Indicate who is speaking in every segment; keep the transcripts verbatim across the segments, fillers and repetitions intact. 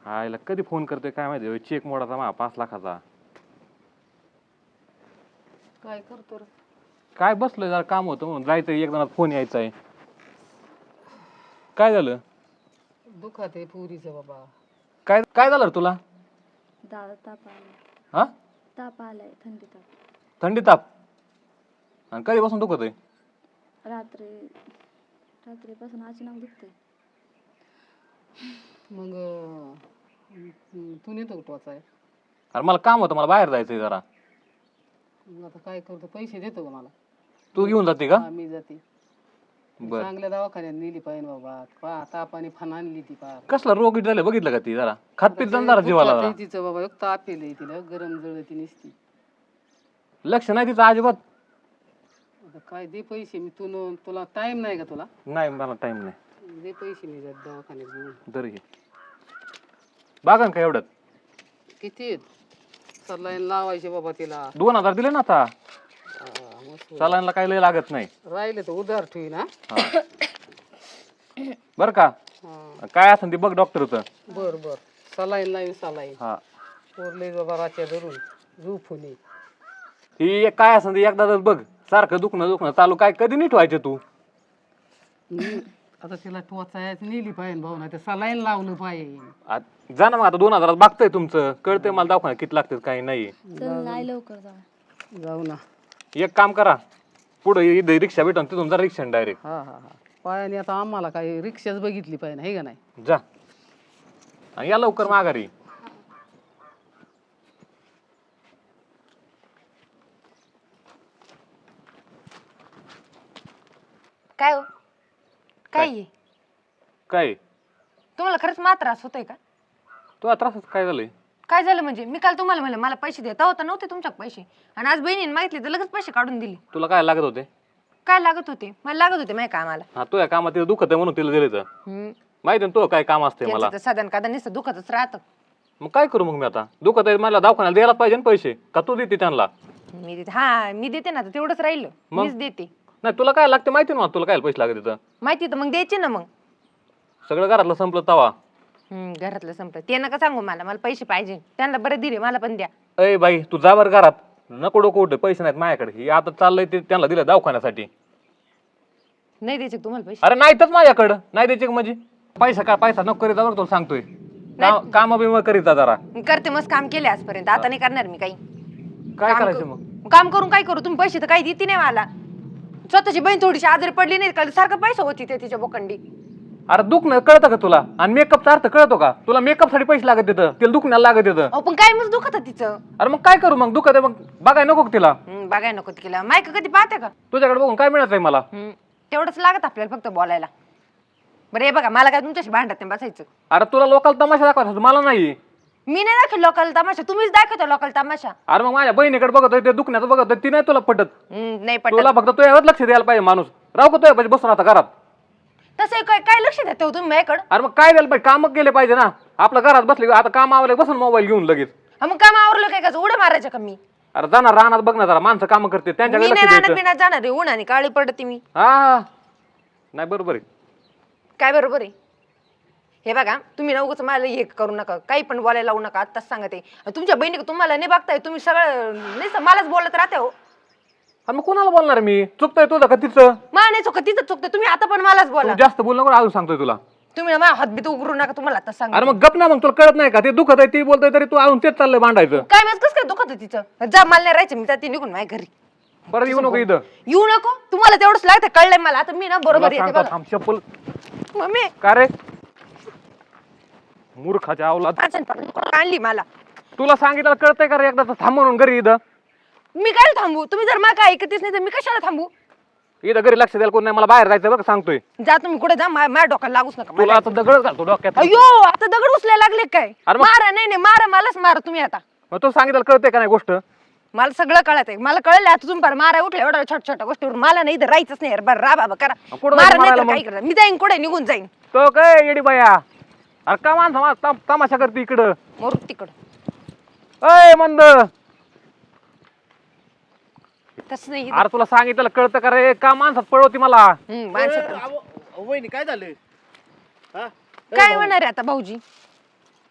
Speaker 1: हा याला कधी फोन करतोय काय माहिती चेक मोडाचा मा पाच लाखाचा
Speaker 2: काय करतो रे?
Speaker 1: काय बसलोय जरा काम होतं म्हणून जायचं एक जणात फोन यायचा आहे काय झालं
Speaker 2: दुखात आहे पुरीचं बाबा.
Speaker 1: काय काय झालं रे तुला
Speaker 3: दादा ताप आलाय.
Speaker 1: हा
Speaker 3: ताप आलाय, थंडी ताप.
Speaker 1: थंडी ताप आणि कधीपासून दुखत आहे
Speaker 3: रात्री रात्रीपासून अचानक दुखतंय.
Speaker 2: मग अं, तू नेतो टोचाय?
Speaker 1: अरे मला काम होतं मला बाहेर जायचंय जरा
Speaker 2: मग आता काय करतो, पैसे देतो का मला?
Speaker 1: तू घेऊन जाते का
Speaker 2: हा, मी जाते.
Speaker 1: बर
Speaker 2: चांगल्या दवाखान्यात नेली पाहिजे बाबा. पा तापाने फान आणली ती पार.
Speaker 1: कसला रोग झालं बघितलं का ती जरा खातपीत जरा जीवाला
Speaker 2: दुखात
Speaker 1: जरा.
Speaker 2: आहे तिचं बाबा, एक ताप येलंय तिला, गरम जळती नसती.
Speaker 1: लक्ष नाही तिचं अजिबात
Speaker 2: आता काय दे पैसे, मी तू तुला टाइम नाही का तुला?
Speaker 1: नाही मला टाइम नाही
Speaker 2: दे पैसे, मी जात दवाखान्यात घेऊन.
Speaker 1: दर घे बागा का एवढ्यात
Speaker 2: किती आहेत? सलाईन लावायचे बाबा तिला.
Speaker 1: दोन हजार दिले ना आता
Speaker 2: हा, मस्त.
Speaker 1: सलाईनला काही लय लागत नाही
Speaker 2: राहिले तर उधार ठेवी ना.
Speaker 1: बर का
Speaker 2: हा,
Speaker 1: काय असेल ते बघ डॉक्टरचं
Speaker 2: बर बर. सलाईन लाईन सलाईन
Speaker 1: हा
Speaker 2: पोरले बाबा राच्या धरून झोपून ये.
Speaker 1: ही एक काय असेल ते एकदा बघ सारखं दुखणं दुखणं चालू काय कधी नीट व्हायचं तू
Speaker 2: हम्म. आता तिला टोचायच नेली पाहिजे भाऊ, ना ते सलाईन लावलं पाहिजे.
Speaker 1: आ- जा ना मग आता दोन हजारात बघताय तुमचं कळतंय मला दवाखान्यात किती लागतात काही नाही
Speaker 3: चल नाही लवकर जाऊ.
Speaker 2: जाऊ ना.
Speaker 1: एक काम करा पुढे इथे रिक्षा भेटून तिथून जा रिक्षा डायरेक्ट
Speaker 2: हा हा हा. पायाने आता आम्हाला काही रिक्षाच बघितली पाहिजे, हे का नाही?
Speaker 1: जा आणि या लवकर माघारी.
Speaker 4: काय हो
Speaker 1: काय?
Speaker 4: काय आहे?
Speaker 1: काय
Speaker 4: तुम्हाला खरंच मा त्रास होतोय का?
Speaker 1: तुला त्रास काय झालंय
Speaker 4: काय झालं म्हणजे? मी काल तुम्हाला म्हणलं मला पैसे देता होता नव्हते तुमच्या पैसे, आणि आज बहिणीने मागितले तर लगेच पैसे काढून दिले.
Speaker 1: तुला काय लागत होते
Speaker 4: काय लागत होते? मला लागत होते माझ्या कामाला.
Speaker 1: हा तुझ्या कामात तिला दुखत आहे म्हणून तिला दिले तर
Speaker 4: हम्म.
Speaker 1: माहिती ना तो काय काम असते मला
Speaker 4: त्यांचं तर साधन कादा नुसतं दुखतच राहतं.
Speaker 1: मग काय करू मग मी आता दुखत आहे मला दवाखान्याला द्यायला पाहिजे ना पैसे का तू देते त्यांना
Speaker 4: मी देते, हा मी देते ना, तर तेवढंच राहिलं
Speaker 1: मग?
Speaker 4: मीच देते.
Speaker 1: नाही तुला काय लागते माहिती ना तुला काय पैसे लागत तिथं
Speaker 4: माहिती तर मग द्यायचे ना. मग
Speaker 1: सगळं घरातलं संपलं तवा
Speaker 4: हम्म, घरातलं संपलं ते नका सांगू मला. मला पैसे पाहिजे, त्यांना बरं दिले, मला पण द्या.
Speaker 1: अय बाई तू जा बरं घरात नको डोकं उठे पैसे नाहीत माझ्याकडे हे आता चाललंय ते त्यांना दिलं दवाखान्यासाठी.
Speaker 4: नाही द्यायचे का तुम्हाला पैसे?
Speaker 1: अरे नाहीतच माझ्याकडं नाही द्यायचे का म्हणजे पैसा काय पैसा नको करीत बरं तुला सांगतोय काम बिम करीत जा जरा
Speaker 4: मी करते मस्त काम केले आजपर्यंत, आता नाही करणार मी काही.
Speaker 1: काय
Speaker 4: काम
Speaker 1: करायचं
Speaker 4: कर-
Speaker 1: मग
Speaker 4: काम करून काय करू? तुम्ही पैसे तर काही देते नाही मला. स्वतःची बहीण थोडीशी आजारी पडली नाही का, सारखं पैसा होती ते तिच्या बोकंडी.
Speaker 1: अरे दुखणं कळतं का तुला आणि मेकअपचा अर्थ कळतो का तुला मेकअप साठी पैसे लागत येतं तिला दुखण्याला लागत येतं.
Speaker 4: अहो पण काय मग दुखत तिचं.
Speaker 1: अरे मग काय करू मग दुखत आहे मग बघाय नको का तिला
Speaker 4: हम्म, बघाय नको तिला. मायक कधी पाहते का?
Speaker 1: तुझ्याकडे बघून काय मिळत आहे मला.
Speaker 4: हम्म, तेवढंच लागत आपल्याला फक्त बोलायला. बरं हे बघा, मला काय तुमच्याशी भांडत नाही बसायचं.
Speaker 1: अरे तुला लोकांना तमाशा दाखवायचा मला नाही.
Speaker 4: मी नाही दाखवत लोकांना तमाशा, तुम्हीच दाखवता लोकांना तमाशा.
Speaker 1: अरे मग माझ्या बहिणीकडे बघतोय ते दुखण्याचं बघतोय ती नाही तुला पटत.
Speaker 4: हम्म, नाही
Speaker 1: तुला
Speaker 4: पटत.
Speaker 1: फक्त तुझ्यावर लक्ष द्यायला पाहिजे माणूस राव का तुझ्या बसून आता घरात.
Speaker 4: तसं काय काय लक्ष देता हो तुम्ही माझ्याकडं?
Speaker 1: अरे मग काय द्यायला पाहिजे काम केले पाहिजे ना आपल्या घरात बसले आता काम आवले बसून मोबाईल घेऊन लगेच.
Speaker 4: हा, मग काम आवरलं काय का उड्या मारायच्या का मी?
Speaker 1: अरे जाणार रानात बघ ना जरा माणसं काम करते त्यांच्याकडे
Speaker 4: मी
Speaker 1: लक्ष
Speaker 4: नाही राहणार
Speaker 1: द्यायचं.
Speaker 4: बिना जाणार आहे, उन्हाने काळी पडते मी.
Speaker 1: हा नाही बरोबर आहे.
Speaker 4: काय बरोबर आहे? हे बघा, तुम्ही नवगच मला हे करू नका, काही पण बोलायला लावू नका. आत्ताच सांगते तुमच्या बहिणी तुम्हाला नाही बघताय, तुम्ही सगळं नाही मलाच बोलत राहते हो.
Speaker 1: अरे मग कोणाला बोलणार मी चुकतोय तुझं का तिचं.
Speaker 4: मा नाही चुकत तिथं चुकतं, तुम्ही आता पण मलाच बोला.
Speaker 1: तू जास्त बोल नको अजून सांगतोय तुला.
Speaker 4: तुम्ही माझ्या हातबीत उघडू नका, तुम्हाला आता सांग.
Speaker 1: अरे मग गप ना मग तुला कळत नाही का ते दुखत आहे ती बोलतोय तरी तू अजून तेच चाललंय भांडायचं.
Speaker 4: काय माहित कसं काय दुखत तिचं. जा, मला नाही राहायचं, मी जाते निघून माझ्या घरी.
Speaker 1: परत येऊ नको इथं.
Speaker 4: येऊ नको, तुम्हाला तेवढंच लागतं, कळलंय मला. आता मी ना बरोबर
Speaker 1: तुला
Speaker 4: येते
Speaker 1: सांगतो
Speaker 4: बघा.
Speaker 1: थांब चप्पल
Speaker 4: मम्मी
Speaker 1: का रे मूर्खाच्या अवलाद
Speaker 4: आणली मला.
Speaker 1: तुला सांगितलं कळतंय का रे एकदा थांब म्हणून घरी इथं.
Speaker 4: मी काय थांबू? तुम्ही जर मला काय ऐकतेच नाही तर मी कशाला थांबू?
Speaker 1: इथं घरी लक्ष द्यायला कोण नाही मला बाहेर जायचं बरं का सांगतोय.
Speaker 4: जा तुम्ही कुठे जा, मा- माझ्या डोक्याला लागूच नका.
Speaker 1: तुला आता दगडच घालतो डोक्यात.
Speaker 4: अयो आता दगड उचलायला लागले काय?
Speaker 1: अरे मग-
Speaker 4: मारा, नाही नाही मारा, मलाच मारा तुम्ही आता.
Speaker 1: मग तू सांगितलं कळतंय का नाही गोष्ट.
Speaker 4: मला सगळं कळत आहे, मला कळलं आता. तुम्ही पार मारा उठल्या एवढ्या छोट्या छोट्या गोष्टीवर मला नाही तर राहायचंच नाही. बरं रा बाबा करा,
Speaker 1: कुठं
Speaker 4: मारा
Speaker 1: जायचं
Speaker 4: नाही तर
Speaker 1: मारायला
Speaker 4: काय करा. मी जाईन कुठे निघून जाईन.
Speaker 1: तो काय येडी बाया अरे का माणसं मा- तम- तमाशा करते इकडं.
Speaker 4: मरू तिकडं.
Speaker 1: अय मंद
Speaker 4: तसं नाही.
Speaker 1: अरे तुला सांगितलं कळतं का रे का माणसात पळवती मला.
Speaker 4: हम्म, माणसं
Speaker 5: वहिनी काय झालं? हा?
Speaker 4: काय होणार आहे आता भाऊजी?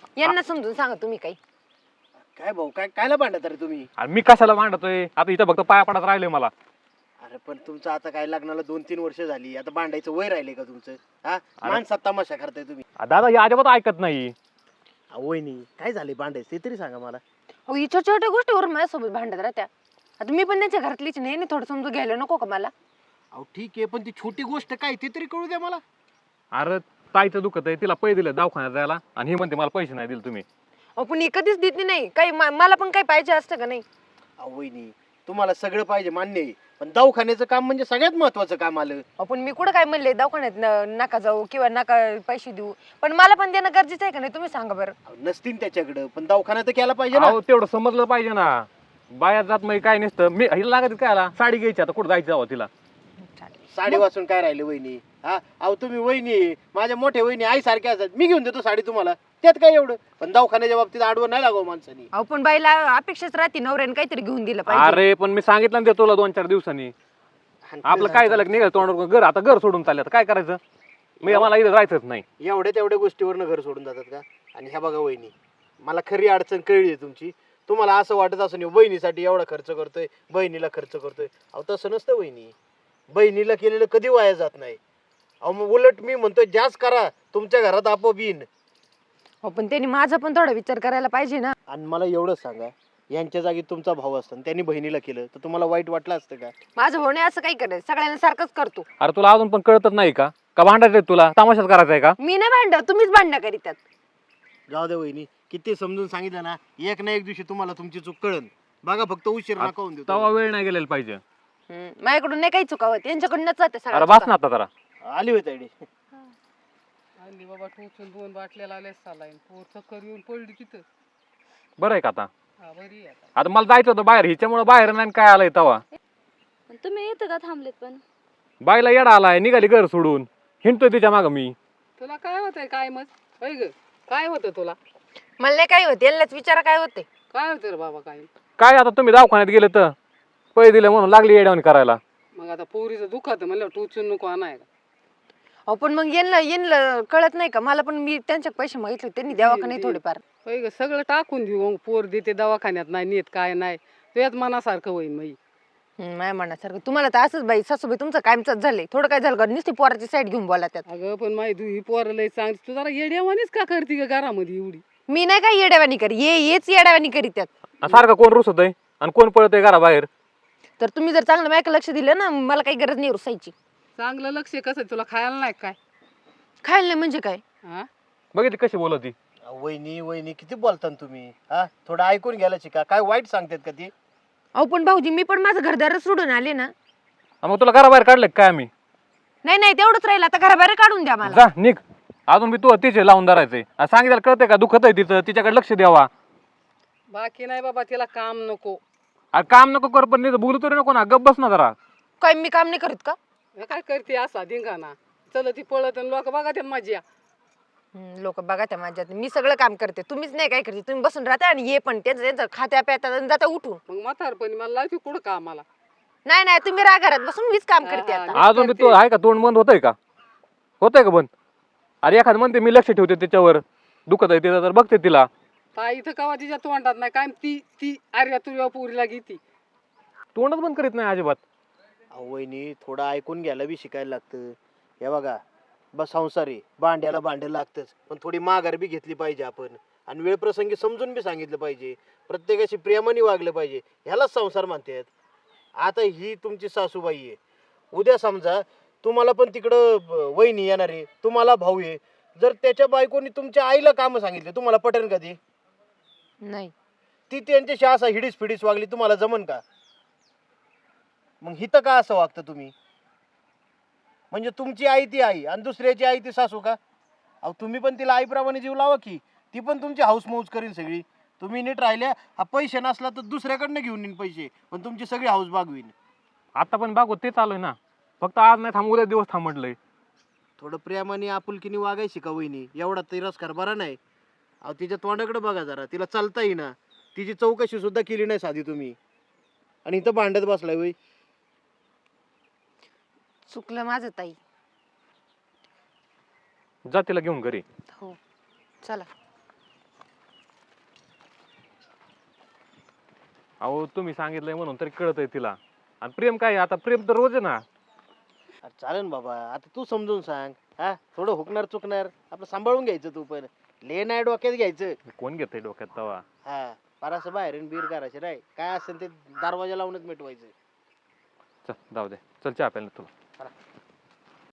Speaker 4: यांना समजून सांगा तुम्ही काही.
Speaker 5: काय भाऊ काय कायला भांडत रे तुम्ही?
Speaker 1: आणि मी कशाला मांडतोय आता इथं फक्त पाया पडत राहिले मला.
Speaker 5: अरे पण तुमचं आता काय लग्नाला दोन तीन वर्ष झाली, आता भांडायचं वय राहिले का तुमचं? हा माणसात तमाशा करताय तुम्ही.
Speaker 1: आ, दादा हे अजिबात ऐकत नाही.
Speaker 5: अहो, वहिनी काय झाले भांडायचं ते तरी सांगा मला.
Speaker 4: अहो ही छोट्या छोट्या गोष्टीवर माझ्यासोबत भांडत राहत्या. आता मी पण त्यांच्या घरातलीच नाही ना, थोडं समजून घ्यायला नको का मला?
Speaker 5: अहो ठीक आहे, पण ती छोटी गोष्ट काय ते तरी कळू द्या मला.
Speaker 1: अरे ताईचं दुखत आहे, तिला पैसे दिले दवाखान्यात जायला आणि ही म्हणते मला पैसे नाही दिले तुम्ही.
Speaker 4: अहो पण ही कधीच देत नाही काही, मा- मला पण काही पाहिजे असतं का नाही?
Speaker 5: अहो वहिनी तुम्हाला सगळं पाहिजे मान्य आहे, पण दवाखान्याचं काम म्हणजे सगळ्यात महत्वाचं काम आलं.
Speaker 4: आपण मी कुठं काय म्हणले दवाखान्यात न- नका जाऊ किंवा नका पैसे देऊ, पण मला पण देणं गरजेचं आहे का नाही तुम्ही सांगा बरं.
Speaker 5: अहो, नसतील त्याच्याकडं, पण दवाखाना तर केला पाहिजे ना.
Speaker 1: अहो तेवढं समजलं पाहिजे ना. बाया जात म्हणजे काय नसतं. मी हिला लागत काय आला साडी घ्यायची आता कुठं जायचं जावं तिला.
Speaker 5: साडी वाचून काय राहिले वहिनी? हा अहो तुम्ही वहिनी आहे, माझ्या मोठ्या वहिनी आई सारख्या असतात, मी घेऊन देतो साडी तुम्हाला, त्यात काय एवढं? पण दवाखान्याच्या बाबतीत आडवं नाही लागावं माणसानी.
Speaker 4: अहो पण बाईला अपेक्षाच राहते नवऱ्याने काहीतरी घेऊन दिलं पाहिजे.
Speaker 1: अरे पण मी सांगितलं ना ते तुला दोन चार दिवसांनी. आपलं काय झालं निघाल तोंडावर घर, आता घर सोडून चालले आता काय करायचं? मी मला इथं राहायचंच नाही.
Speaker 5: एवढ्या तेवढ्या गोष्टीवरनं घर सोडून जातात का? आणि ह्या बघा वहिनी, मला खरी अडचण कळली आहे तुमची. तुम्हाला असं वाटत असं नाही बहिणीसाठी एवढा खर्च करतोय, बहिणीला खर्च करतोय. अहो तसं नसतं वहिनी, बहिणीला केलेलं कधी वाया जात नाही. अहो मग उलट मी म्हणतोय जास्त करा, तुमच्या घरात आपोआप येईन.
Speaker 4: हो पण त्यांनी माझा पण थोडा विचार करायला पाहिजे ना.
Speaker 5: आणि मला एवढंच सांगा, यांच्या जागी तुमचा भाऊ असता आणि त्यांनी बहिणीला केलं तर तुम्हाला वाईट वाटलं असतं का?
Speaker 4: माझं भाऊ नाही असं काही करत, सगळ्यांना सारखंच करतो.
Speaker 1: अरे तुला अजून पण कळतच नाही का? का भांडायचंय तुला? तमाशाच करायचा आहे का?
Speaker 4: मी नाही भांड, तुम्हीच भांडणं करीतात.
Speaker 5: जाऊ दे वहिनी, किती समजून सांगितलं ना, एक ना एक दिवशी तुम्हाला तुमची चूक कळन. बघा फक्त उशीर नका होऊन देऊ.
Speaker 1: तेव्हा वेळ नाही गेलेला पाहिजे.
Speaker 4: हम्म, माझ्याकडून नाही काही चुकावत, यांच्याकडूनच जाते
Speaker 1: अरे
Speaker 4: सगळं.
Speaker 1: बस ना आता जरा.
Speaker 5: आली होती आयडी.
Speaker 2: आणली बाबा टोचून दोन बाटल्या लावल्या सालाईन, पोर चक्कर येऊन पडली तिथं.
Speaker 1: बरं आहे का आता?
Speaker 2: हा बरी आहे आता.
Speaker 1: आता मला जायचं होतं बाहेर, हिच्यामुळे बाहेर नाही काय आलंय तवा.
Speaker 3: पण तुम्ही येतं का थांबलेत पण?
Speaker 1: बाईला येडा आलाय, निघाली घर सोडून, हिंडतोय तिच्या मागं मी.
Speaker 2: तुला काय होतंय काय मग? होय ग काय होतं तुला?
Speaker 4: मला नाही काही होत, यांनाच विचारा काय होते.
Speaker 2: काय होतं रे बाबा काय?
Speaker 1: काय आता तुम्ही दवाखान्यात गेले तर पैसे दिले म्हणून लागली येड्यावणी करायला.
Speaker 2: मग आता पोरीचं दुखात म्हणलं टोचून नको आणाय का?
Speaker 4: अहो पण मग यांना यांना कळत नाही का? मला पण मी त्यांच्या पैसे मागितले, त्यांनी द्यावा का नाही थोडेफार?
Speaker 2: होय ग सगळं टाकून देऊ, मग पोर देते दवाखान्यात नाही नेत काय नाही, तुझ्यात मनासारखं होईन मग.
Speaker 4: हम्म, माझ्या मनासारखं तुम्हाला तर असंच बाई सासूबाई तुमचं कायमच झालंय. थोडं काय झालं का नुसती पोराची साईड घेऊन बोला त्यात.
Speaker 2: अगं पण माही तू ही पोरं लय चांगली, तू जरा येड्यावानीच का करते ग घरामध्ये एवढी?
Speaker 4: मी नाही काय येड्यावानी करी, ये येच येड्यावानी करी त्यात.
Speaker 1: आणि सारखं कोण रुसतय आणि कोण पळतय घराबाहेर.
Speaker 4: तर तुम्ही जर चांगलं माझ्याकडे लक्ष दिलं ना, मला काही गरज नाही रुसायची.
Speaker 2: चांगलं लक्ष कसं तुला खायला नाही काय?
Speaker 4: खायला नाही म्हणजे काय?
Speaker 2: हा
Speaker 1: बघितली कशी बोलत ती.
Speaker 5: वहिनी वहिनी किती बोलता तुम्ही? हा थोडं ऐकून घ्यायला शिका. काय वाईट सांगतात का ती?
Speaker 4: अहो पण भाऊजी मी पण माझं घरदार सोडून आले ना.
Speaker 1: हा, मग तुला घराबाहेर काढले काय आम्ही?
Speaker 4: नाही नाही तेवढंच राहिलं, आता घराबाहेर काढून द्या मला.
Speaker 1: जा निघ. अजून मी तू तिचे लावून धरायचंय. आणि सांगितलं कळतंय का? दुखत आहे तिचं, तिच्याकडे लक्ष द्यावा.
Speaker 2: बाकी नाही बाबा, तिला काम नको.
Speaker 1: अरे काम नको कर, पण नाही बोलू तरी नको ना, गप बस ना जरा.
Speaker 4: काय मी काम नाही करत का?
Speaker 2: हे काय करते असा धिंगाणा? चल ती पळत आणि लोक बघा त्या माझ्या.
Speaker 4: लोक बघा त्या माझ्यात, मी सगळं काम करते, तुम्हीच नाही काय करते. तुम्ही बसून राहता आणि ये पण त्यांचं त्यांचं खात्या प्यातात आणि जाता उठून.
Speaker 2: मग म्हातारपणी मला लावते कुठं कामाला?
Speaker 4: नाही नाही तुम्ही राहा घरात बसून, मीच काम करते
Speaker 2: हा,
Speaker 4: आता.
Speaker 1: अजून बी तू आहे का तोंड बंद होतंय का? होतंय का बंद? अरे एखाद म्हणते मी लक्ष ठेवते त्याच्यावर, दुखत आहे तिचं तर बघते तिला.
Speaker 2: ताई इथं कवा तिच्या तोंडात नाही काय, ती ती अरे तुझ्या पुरीला घेती.
Speaker 1: तोंडच बंद करीत नाही अजिबात.
Speaker 5: अहो वहिनी थोडं ऐकून घ्यायला बी शिकायला लागतं. हे बघा बस संसार आहे, भांड्याला भांडं लागतंच, पण थोडी माघार बी घेतली पाहिजे आपण. आणि वेळ प्रसंगी समजून बी सांगितलं पाहिजे, प्रत्येकाशी प्रेमाने वागलं पाहिजे. ह्यालाच संसार म्हणतात. आता ही तुमची सासूबाई आहे, उद्या समजा तुम्हाला पण तिकडं ब- वहिनी येणार आहे, तुम्हाला भाऊ आहे. जर त्याच्या बायकोनी तुमच्या आईला कामं सांगितले, तुम्हाला पटेल का ती?
Speaker 4: नाही
Speaker 5: ती त्यांच्याशी असा हिडीस फिडीस वागली, तुम्हाला जमन का? मग हिथं का असं वागतं तुम्ही? म्हणजे तुमची आई ती आई आणि दुसऱ्याची आई ती सासू का? अहो तुम्ही पण तिला आईप्रमाणे जीव लावा की, ती पण तुमची हाऊस मौज करीन सगळी. तुम्ही नीट राहिल्या, हा पैसे नसला तर दुसऱ्याकडनं घेऊन येईन पैसे, पण तुमची सगळी हाऊस बागवीन.
Speaker 1: आता पण बागो ते चालू आहे ना, फक्त आज नाही थांब, उद्या दिवस थांब म्हटलंय.
Speaker 5: थोडं प्रेमाने आपुलकीने वागायची का वहिनी? एवढा तिरस्कार बरा नाही. अहो तिच्या तोंडाकडे बघा जरा, तिला चालता येईना, तिची चौकशी सुद्धा केली नाही साधी तुम्ही, आणि इथं भांडत बसलाय वय.
Speaker 4: चुकलं माझं ताई.
Speaker 1: जा तिला घेऊन घरी.
Speaker 4: हो चला.
Speaker 1: अहो तुम्ही सांगितलंय म्हणून तरी कळतंय तिला. आणि प्रेम काय आहे? आता प्रेम तर रोज आहे ना.
Speaker 5: अरे चालेल ना बाबा, आता तू समजून सांग. हा थोडं हुकणार चुकणार आपलं सांभाळून घ्यायचं तू पण. ले नाही डोक्यात घ्यायचं.
Speaker 1: कोण घेतंय डोक्यात तवा.
Speaker 5: हा फार बाहेरून बीर करायचे नाही, काय असेल ते दरवाजा लावूनच मिटवायचं.
Speaker 1: चल जाऊ दे, चल चहा प्यायला तुला.
Speaker 5: चला.